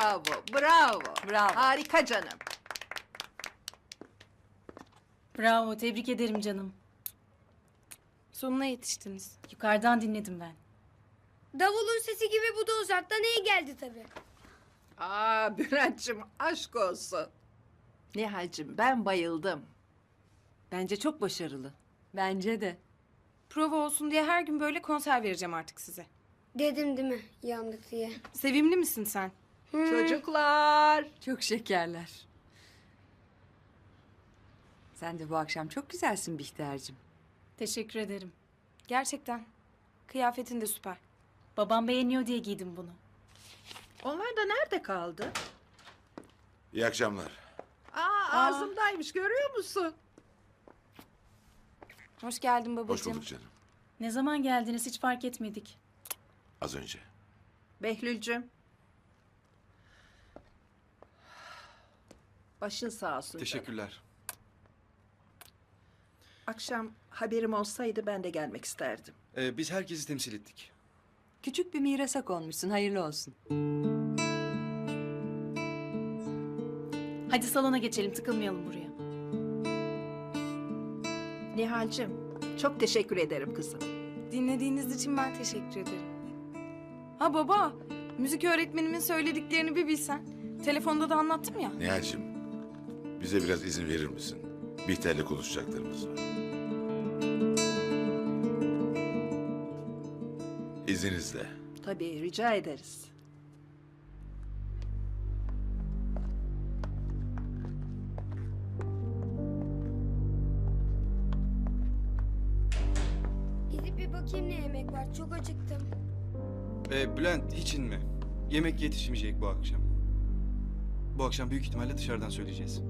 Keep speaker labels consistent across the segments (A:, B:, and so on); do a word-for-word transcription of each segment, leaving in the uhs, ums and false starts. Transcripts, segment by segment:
A: Bravo, bravo.
B: Bravo.
A: Harika canım.
C: Bravo, tebrik ederim canım.
D: Sonuna yetiştiniz.
C: Yukarıdan dinledim ben.
E: Davulun sesi gibi bu da uzaktan iyi geldi tabii.
A: Aa Bülent'cim aşk olsun. Nihal'cim ben bayıldım.
B: Bence çok başarılı. Bence de.
D: Prova olsun diye her gün böyle konser vereceğim artık size.
E: Dedim değil mi yandık diye.
D: Sevimli misin sen?
A: Çocuklar.
B: Çok şekerler. Sen de bu akşam çok güzelsin Bihter'cim.
C: Teşekkür ederim.
D: Gerçekten. Kıyafetin de süper.
C: Babam beğeniyor diye giydim bunu.
A: Onlar da nerede kaldı?
F: İyi akşamlar.
A: Aa, ağzımdaymış görüyor musun?
D: Hoş geldin
F: Hoş
D: babacığım.
F: bulduk canım.
C: Ne zaman geldiniz hiç fark etmedik.
F: Az önce.
A: Behlül'cüm. Başın sağ olsun. canım.
G: Teşekkürler.
A: Akşam haberim olsaydı ben de gelmek isterdim.
G: Ee, biz herkesi temsil ettik.
B: Küçük bir mirasa konmuşsun, hayırlı olsun.
C: Hadi salona geçelim, tıkılmayalım buraya.
A: Nihal'cim çok teşekkür ederim kızım.
D: Dinlediğiniz için ben teşekkür ederim. Ha baba, müzik öğretmenimin söylediklerini bir bilsen. Telefonda da anlattım ya.
F: Nihal'cim, bize biraz izin verir misin? Bihter'le konuşacaklarımız var. İzninizle.
A: Tabii rica ederiz.
E: Gidip bir bakayım ne yemek var çok acıktım.
G: Ee, Bülent hiç inme. Yemek yetişmeyecek bu akşam. Bu akşam büyük ihtimalle dışarıdan söyleyeceğiz.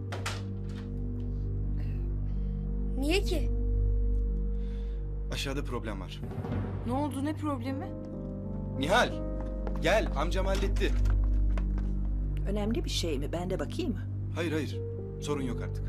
E: Niye ki?
G: Aşağıda problem var.
D: Ne oldu, ne problemi?
G: Nihal, gel amcam halletti.
A: Önemli bir şey mi? Ben de bakayım mı?
G: Hayır hayır, sorun yok artık.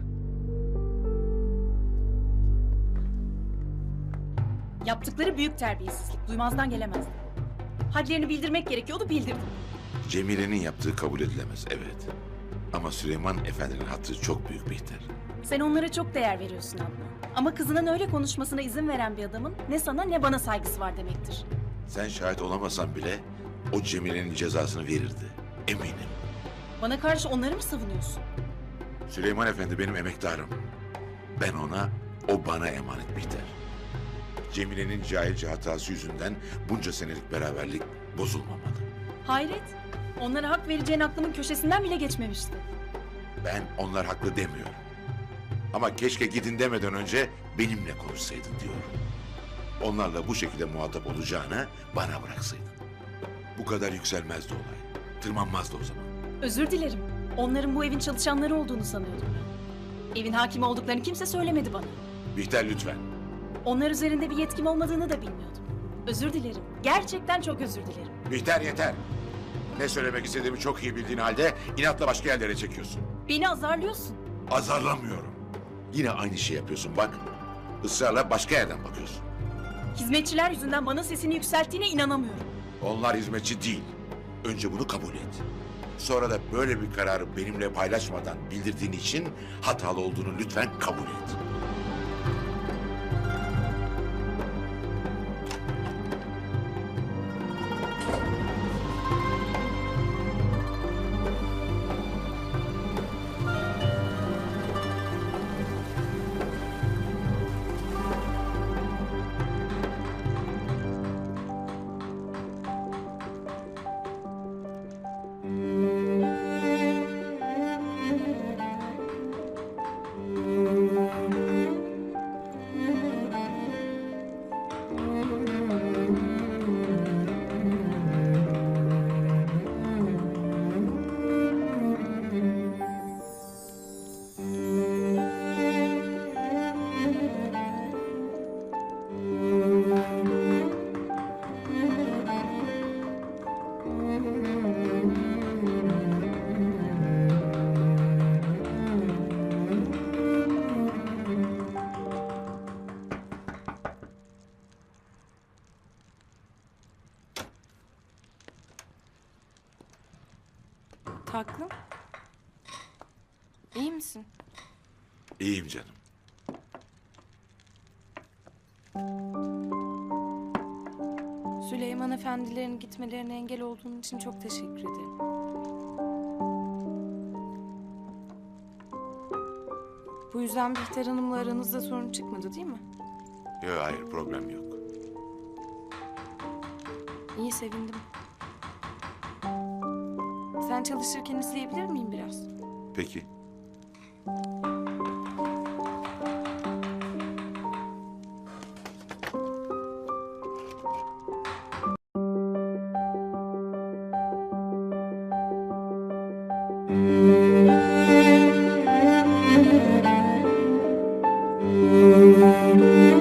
C: Yaptıkları büyük terbiyesizlik, duymazdan gelemezdi. Hadlerini bildirmek gerekiyordu, bildirdim.
F: Cemile'nin yaptığı kabul edilemez, evet. Ama Süleyman Efendi'nin hatırı çok büyük Bihter.
C: Sen onlara çok değer veriyorsun abla. Ama kızının öyle konuşmasına izin veren bir adamın ne sana ne bana saygısı var demektir.
F: Sen şahit olamasan bile o Cemile'nin cezasını verirdi. Eminim.
C: Bana karşı onları mı savunuyorsun?
F: Süleyman Efendi benim emektarım. Ben ona, o bana emanet Bihter. Cemile'nin cahilce hatası yüzünden bunca senelik beraberlik bozulmamalı.
C: Hayret. Onlara hak vereceğin aklımın köşesinden bile geçmemişti.
F: Ben onlar haklı demiyorum. Ama keşke gidin demeden önce benimle konuşsaydın diyorum. Onlarla bu şekilde muhatap olacağına bana bıraksaydın. Bu kadar yükselmezdi olay. Tırmanmazdı o zaman.
C: Özür dilerim. Onların bu evin çalışanları olduğunu sanıyordum ben. Evin hakimi olduklarını kimse söylemedi bana.
F: Bihter lütfen.
C: Onlar üzerinde bir yetkim olmadığını da bilmiyordum. Özür dilerim. Gerçekten çok özür dilerim.
F: Bihter yeter. Ne söylemek istediğimi çok iyi bildiğin halde inatla başka yerlere çekiyorsun.
C: Beni azarlıyorsun.
F: Azarlamıyorum. Yine aynı şey yapıyorsun bak. Israrla başka yerden bakıyorsun.
C: Hizmetçiler yüzünden bana sesini yükselttiğine inanamıyorum.
F: Onlar hizmetçi değil. Önce bunu kabul et. Sonra da böyle bir kararı benimle paylaşmadan bildirdiğin için hatalı olduğunu lütfen kabul et.
D: Taklım. İyi misin?
F: İyiyim canım.
D: Süleyman efendilerin gitmelerine engel olduğun için çok teşekkür ederim. Bu yüzden Bihter Hanım'la aranızda sorun çıkmadı değil mi?
F: Yok hayır problem yok.
D: İyi, sevindim. Sen çalışırken izleyebilir miyim biraz?
F: Peki.
H: Müzik